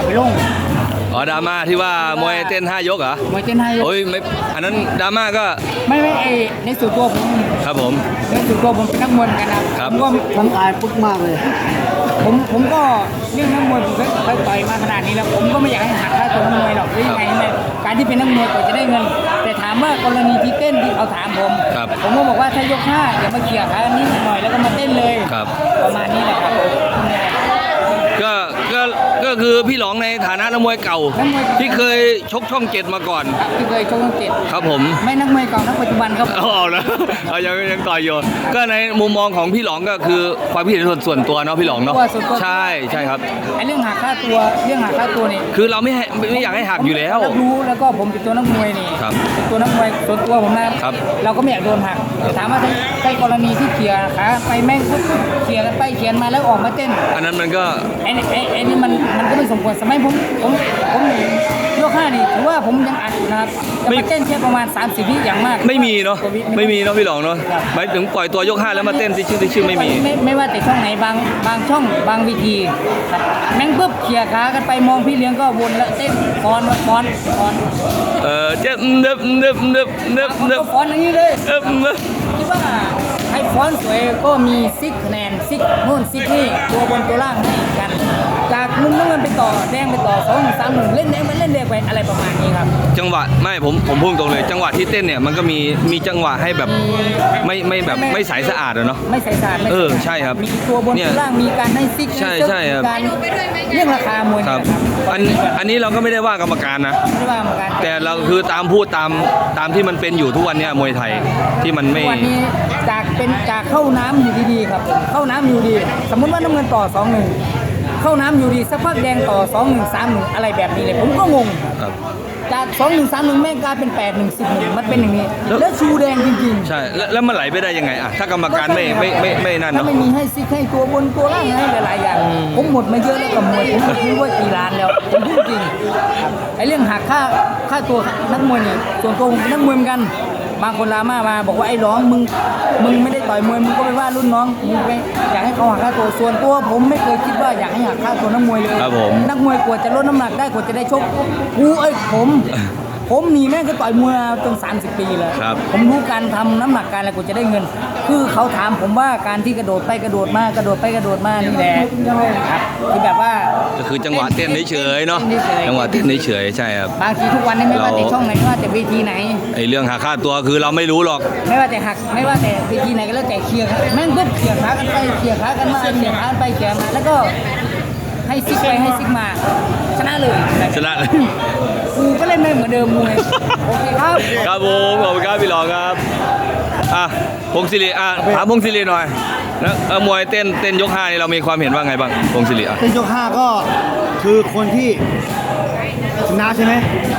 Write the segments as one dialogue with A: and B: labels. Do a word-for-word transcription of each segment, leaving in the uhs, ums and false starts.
A: ไปลง
B: อ๋อดราม่าที่ว่ามวยเต้นห้ายกเหรอ
A: มวยเต้นห้ายก
B: โอ้ยไม่อันนั้นดราม่าก็
A: ไม่ไม่ไอในส่วนตัวผม
B: ครับผม
A: ในส่วนตัวผมเป็นนักมวยกันนะครับผมก็
C: ผมอายปึ๊กมากเลย
A: ผมผมก็เรื่องนักมวยผมเคยต่อยมาขนาดนี้แล้วผมก็ไม่อยากให้หักค่าตัวนักมวยหรอกหรือยังไงไหมการที่เป็นนักมวยก็จะได้เงินแต่ถามว่ากรณีที่เต้นที่เขาถามผมผมก็บอกว่าถ้ายกห้าอย่ามาเกี่ยขานิดหน่อยแล้วก็มาเต้นเลยประมาณนี้แหละครับ
B: ก็ก็ก็คือพี่หลองในฐานะนักมวยเก่าที่เคยชกช่องเจ็ดมาก่อน
A: ที่เคยชกช่องเจ็ด
B: ครับผม
A: ไม่นักมวยเก่านักปัจจุบันครับ
B: เอาเอาแล้วเอายังยังต่อยอยู่ก็ในมุมมองของพี่หลองก็คือความคิดเห็นส่วนตัวเนาะพี่หลองเนาะใช่ใช่ครับ
A: ไอ้เรื่องหักค่าตัวเรื่องหักค่าตัวนี่
B: คือเราไม่ไม่อยากให้หักอยู่แล้ว
A: รู้แล้วก็ผมเป็นตัวนักมวยนี่เป็นตัวนักมวยส่วนตัวผมนะครับเราก็ไม่อยากโดนหักถามว่าใช่กรณีที่เขี่ยขาไปแม่งปุ๊บเขี่ยกันไปเขี่ยมาแล้วออกมาเต้น
B: อันนั้นมันก็
A: ไอ้ไอ้ไอ้นี่มันมันก็ไม่สมควรสมัยผมผมผมยกห้านี่ถือว่าผมยังอัดนะครับจะมาเต้นแค่ประมาณสามสิบวิอย่างมาก
B: ไม่มีเนาะไม่มีเนาะพี่หลองเนาะหมายถึงปล่อยตัวยกห้าแล้วมาเต้นที่ชื่อที่ชื่อไม่มี
A: ไม่ไม่ว่าแต่ช่องไหนบางบางช่องบางวิธีแม่งปุ๊บเขี่ยขากันไปมองพี่เลี้ยงก็วนแล้วเต้นฟ้อนฟ้อนฟ้อน
B: เออเจ็บเนิบเนิบเนิบเนิบเนิบ
A: ฟ้อนอย่างนี้เลย
B: เนิบเนิบ
A: คิดว่าให้ฟ้อนสวยก็มีซิกคะแนนซิกโน่นซิกนี่ตัวบนตัวล่างให้กันจากมุมน้ำเงินไปต่อแดงไปต่อสองสามหนึ่งเล่นแดงไปเล่นแดงไปอะไรประมาณนี้ครับ
B: จังหวะไม่ผมผมพูดตรงเลยจังหวะที่เต้นเนี่ยมันก็มีมีจังหวะให้แบบไม่ไม่แบบไม่ใสสะอาดเนาะ
A: ไม่ใสสะอาด
B: เออใช่ครับ
A: มีตัวบนตัวล่างมีการให้ซิก
B: ใช่ใช่ครับ
A: การเรื่องราคามวย
B: ครับอันอันนี้เราก็ไม่ได้ว่ากรรมการนะ
A: ไม่ได้ว่ากรรมการ
B: แต่เราคือตามพูดตามตามที่มันเป็นอยู่ทุกวันนี้มวยไทยที่มันไม่
A: วันนี้จากเป็นจากเข้าน้ำอยู่ดีๆครับเข้าน้ำอยู่ดีสมมติว่าน้ำเงินต่อสองหนึ่งเข้าน้ำอยู่ดีสักพักแดงต่อสองหนึ่งสามหนึ่งอะไรแบบนี้เลยผมก็งงจากสองหนึ่งสามหนึ่งแม่งกลายเป็นแปดหนึ่งสิบหนึ่งมันเป็นอย่างนี้แล้วชูแดงจริง
B: ๆใช่แล้วมันไหลไปได้ยังไงอะถ้ากรรมการไม่ไม่ไม่ไม่นั่นเนาะ
A: ไม่มีให้ซิกให้ตัวบนตัวล่างให้หลายๆอย่างผมหมดมาเยอะแล้วกับมวยผมไม่รู้ว่ากี่ล้านแล้วผมพูดจริงไอ้เรื่องหักค่าค่าตัวนักมวยนี่ส่วนตัวผมเป็นนักมวยเหมือนกันบางคนลามามาบอกว่าไอ้ร้องมึงมึงไม่ได้ต่อยมวยมึงก็ไปว่ารุ่นน้องมึงไปอยากให้เขาหักค่าตัวส่วนตัวผมไม่เคยคิดว่าอยากให้หักค่าตัวนักมวยเลยนักมวยกว่าจะลดน้ำหนักได้กว่าจะได้ชกกูเอ้ยผมผมหนีแม่งก็ต่อยมวยจนสามสิบปีเลยผมรู้การทำน้ำหนักการอะไรกูจะได้เงินคือเขาถามผมว่าการที่กระโดดไปกระโดดมากระโดดไปกระโดดมานี่แหละครับคือแบบว่า
B: ก็คือจังหวะเต้นเฉยๆเนาะจังหวะเต้นเฉยๆใช่ครับ
A: บางทีทุกวันนี้ไม่ว่าแต่ช่องไหนไม่ว่าแต่เวทีไหน
B: ไอ้เรื่องหักค่าตัวคือเราไม่รู้หรอก
A: ไม่ว่าแต่หักไม่ว่าแต่เวทีไหนก็แล้วแต่เคลียร์แม่งก็เคลียร์ขากันไปเคลียร์ขากันมาเคลียร์ขาไปเคลียร์มาแล้วก็ให้ซิกไปให้ซิกมาชนะเลย
B: ชนะเลย
A: กูก็เล่นไม่เหมือนเดิมมวยโอเคครับ
B: ครับผมขอบคุณครับพี่หลองครับอ่ะพงศิริอ่ะถามพงศิริหน่อยนะมวยเต้นเต้นยกห้านี่เรามีความเห็นว่าไงบ้างพงศิริอ่ะ
C: เต้นยกห้าก็คือคนที่ชนะใช่ไหม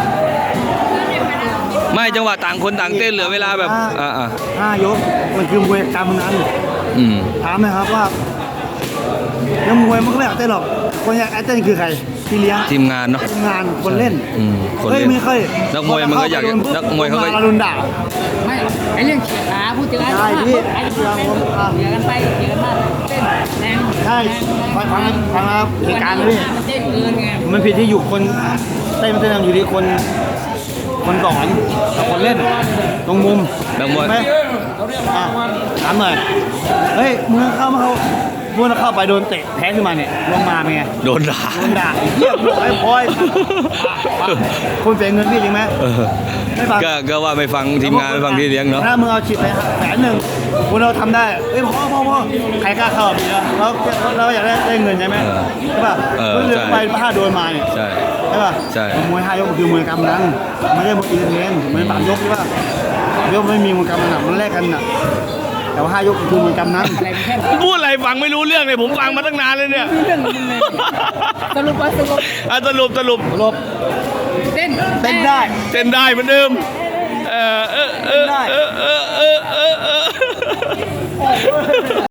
B: ไม่จังหวะต่างคนต่างเต้นเหลือเวลาแบบอ่าอ่า
C: ห้ายกมันคือมวยกรรมนั้น
B: อืม
C: ถามนะครับว่านักมวยมันก็ไม่อยากเต้นหรอกคนอยากเต้นคือใครพี่เลี้ยง
B: ทีมงานเนาะ
C: ทีมงานคนเล่น
B: เฮ้ย
C: ไม่ค่อย
B: นักมวยมันก็อยากนักมวยเขาก็
C: โดนด่า
A: ไม่ไอ้เรื่องเขียขาพูดถึงไอ้
C: ใช่พี่
A: ไอ้เขียกันไปเขียกันมาเต้นแรง
C: ใช่ฟังฟังฟังครับเหตุการณ์เลย
A: มันเต้นเกินไง
C: มันผิดที่อยู่คนเต้นมันเต้นอยู่ที่คนคนสอนกับคนเล่นตรงมุม
B: นักมวย
C: ไหมถามหน่อยเฮ้ยมึงเข้ามาเขาพูดเข้าไปโดนเตะแพ้ขึ้นมาเนี่ยลงมาเป็นไง
B: โดนด่า
C: โดนด่าเยี่ยมไอ้พลอยคนเสียเงินพี่จริงไหม
B: ไม่ฟังก็ว่าไม่ฟังทีมงานไม่ฟังที่เลี้ยงเนาะ
C: ถ้ามึงเอาฉีดไปแสนหนึ่งคุณเราทำได้เอ้ยพ่อพ่อพ่อใครกล้าเข้าพี่แล้วเราอยากได้ได้เงินใช่ไหมใช่ป่ะเรื่องไปถ้าโดนมาเนี่ย
B: ใช่
C: ใช่ป่ะ
B: ใช่
C: มวยห้ายกคือมวยกำนันไม่ใช่มวยอีเวนต์เหมือนสามยกใช่ป่ะยกไม่มีมวยกำนันมันแลกกันน่ะแต่ว่าห้ายกคือมันกำนั้น
B: พูดอะไรฟังไม่รู้เรื่องเลยผมฟังมาตั้งนานเลยเนี่ย
A: สรุปว่าสรุป
B: อ่ะสรุปสรุป
C: สรุป
A: เต้น
C: เต้นได้
B: เต้นได้เหมือนเดิมเออเออเออเออเออเออ